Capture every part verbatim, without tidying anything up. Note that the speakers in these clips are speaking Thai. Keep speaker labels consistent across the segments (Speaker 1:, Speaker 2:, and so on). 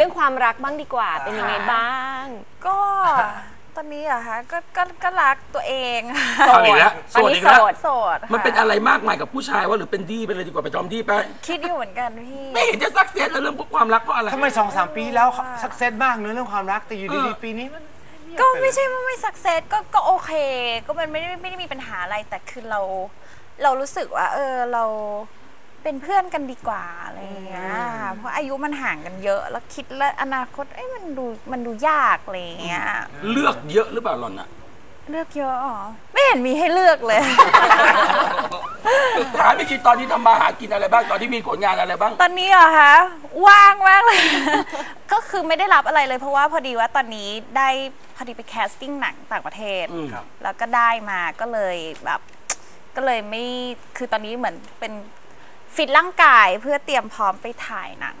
Speaker 1: รื่องความรักบ้างดีกว่าเป็นยังไงบ้าง
Speaker 2: ก็ตอนนี้อะคะก็ก็ก็รักตัวเอง
Speaker 3: โสดอีกแล้วโสดอีกแล้ว
Speaker 2: โสด
Speaker 3: มันเป็นอะไรมากมายกับผู้ชายว่าหรือเป็นดีไปเลยดีกว่าไปจอมดีไป
Speaker 2: คิดอยู่เหมือนกันพี่
Speaker 3: ไม่เห็นจะสักเซสเรื่องความรักเพราะอะไร
Speaker 4: ทำไมสองสามปีแล้วสักเซสมากเนื้อเรื่องความรักแต่อยู่ดีๆปีนี้มัน
Speaker 2: ก็ไม่ใช่ว่าไม่สักเซสก็ก็โอเคก็มันไม่ได้ไม่ได้มีปัญหาอะไรแต่คือเราเรารู้สึกว่าเออเราเป็นเพื่อนกันดีกว่าอะไรอย่างเงี้ยเพราะอายุมันห่างกันเยอะแล้วคิดแล้วอนาคตเอ้ยมันดูมันดูยากอะไรอย่างเงี้ย
Speaker 3: เลือกเยอะหรือเปล่าหล่อนอะ
Speaker 2: เลือกเยอะอ๋อไม่เห็นมีให้เลือกเลย
Speaker 3: ถามไปคิดตอนที่ทำมาหากินอะไรบ้างตอนที่มีผลงานอะไรบ้าง
Speaker 2: ตอนนี้เหรอคะว่างมากเลยก็คือไม่ได้รับอะไรเลยเพราะว่าพอดีว่าตอนนี้ได้พอดีไปแคสติ้งหนังต่างประเทศแล้วก็ได้มาก็เลยแบบก็เลยไม่คือตอนนี้เหมือนเป็นฟิตร่างกายเพื่อเตรียมพร้อมไปถ่ายหนัง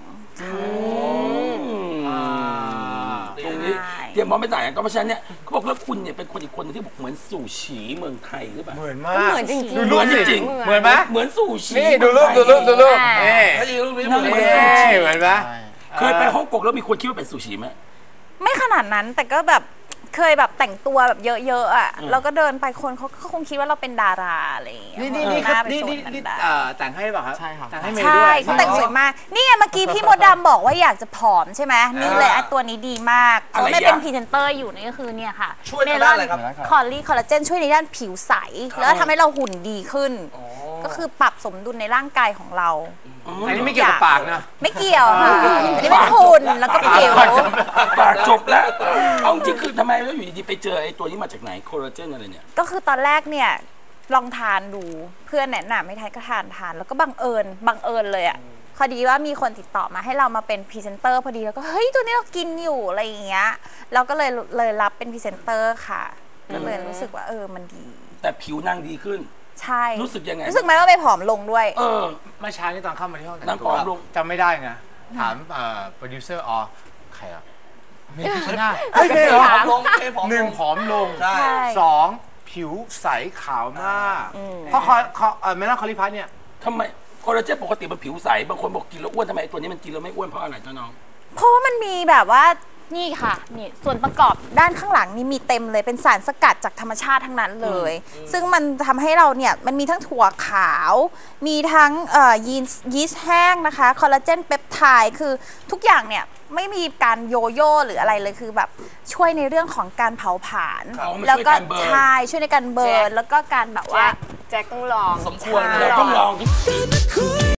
Speaker 3: ตรงนี้เตรียมพร้อมไปถ่ายหนังก็เพราะฉะนั้นเนี่ยเขาบอกแล้วคุณเนี่ยเป็นคนอีกคนนึงที่บอกเหมือนสู่ฉีเมืองไทยหรือเปล่า
Speaker 4: เหมือนมาก
Speaker 1: เหมือนจริงๆ
Speaker 4: ดูรูปจริงเหมือนไหม
Speaker 3: เหมือนสู่ฉี
Speaker 4: นี่ดูรูปดูรูปดูรูปนี่
Speaker 3: ถ้าดูรูปนี้เหมือน
Speaker 4: สู่ฉีเหมือนไหม
Speaker 3: เคยไปฮ่องกงแล้วมีคนคิดว่าเป็นสู่ฉีไหม
Speaker 2: ไม่ขนาดนั้นแต่ก็แบบเคยแบบแต่งตัวแบบเยอะๆอ่ะเราก็เดินไปคนเขาคงคิดว่าเราเป็นดาราอะไรอย่างเงี้ย
Speaker 4: นี่นี่นี่นี่นี่นี่แต่งให้ป่ะครับ
Speaker 5: ใช่ครับ
Speaker 4: แต่งให้เมย์
Speaker 2: ด้วย
Speaker 4: ใช่
Speaker 2: เขาแต่งสวยมากนี่ไงเมื่อกี้พี่มดดำบอกว่าอยากจะผอมใช่ไหมนี่เลยไอ้ตัวนี้ดีมากเขาไม่เป็นพรีเซนเตอร์อยู่นี่ก็คือเนี่ยค่ะ
Speaker 5: ช่วยในด้านอะไรครับ
Speaker 2: คอลลี่คอลลาเจนช่วยในด้านผิวใสแล้วทำให้เราหุ่นดีขึ้นก็คือปรับสมดุลในร่างกายของเรา
Speaker 4: อันนี้ไม่เกี่ยวกับปากนะ
Speaker 2: ไม่เกี่ยวค่ะอันนี้เป็นหุ่นแล้วก็ผิว
Speaker 3: ปากจบแล้วเอาจริงคือทำไมแล้วอยู่ดีๆไปเจอไอ้ตัวนี้มาจากไหนโคลลาเจนอะไรเนี่ย
Speaker 2: ก็คือตอนแรกเนี่ยลองทานดูเพื่อนแนะนำให้ทานก็ทานทานแล้วก็บังเอิญบังเอิญเลยอ่ะพอดีว่ามีคนติดต่อมาให้เรามาเป็นพรีเซนเตอร์พอดีแล้วก็เฮ้ยตัวนี้เรากินอยู่อะไรอย่างเงี้ยเราก็เลยเลยรับเป็นพรีเซนเตอร์ค่ะก็เลยรู้สึกว่าเออมันดี
Speaker 3: แต่ผิวนางดีขึ้น
Speaker 2: ใช่
Speaker 3: รู้สึกยังไง
Speaker 2: รู้สึกไหมว่าไปผอมลงด้วย
Speaker 3: เออ
Speaker 4: เมื่อเช้านี่ตอนเข้ามาที่ห้อง
Speaker 3: นางผอมลง
Speaker 4: จำไม่ได้ไงถามโปรดิวเซอร์อ๋อใครอะเมย์พิชนาเฮ้ยเมย์เหรอหนึ่งผอมลงสองผิวใสขาวมากเพราะเขาเมล่าคอลิพัสเนี่ย
Speaker 3: ทำไมคอลลาเจนปกติมันผิวใสบางคนบอกกินแล้วอ้วนทำไมตัวนี้มันกินแล้วไม่อ้วนเพราะอะไรเจ้าน้อง
Speaker 2: เพราะว่ามันมีแบบว่านี่ค่ะนี่ส่วนประกอบด้านข้างหลังนี่มีเต็มเลยเป็นสารสกัดจากธรรมชาติทั้งนั้นเลยซึ่งมันทำให้เราเนี่ยมันมีทั้งถั่วขาวมีทั้งยีนยีสต์แห้งนะคะคอลลาเจนเปปไทด์คือทุกอย่างเนี่ยไม่มีการโยโย่หรืออะไรเลยคือแบบช่วยในเรื่องของการเผาผลาญแล้วก็ใช่ช่วยในการเบิร์นแล้วก็การแบบว่า
Speaker 1: แจ็คต้องลอง
Speaker 3: สมควรต้องลอง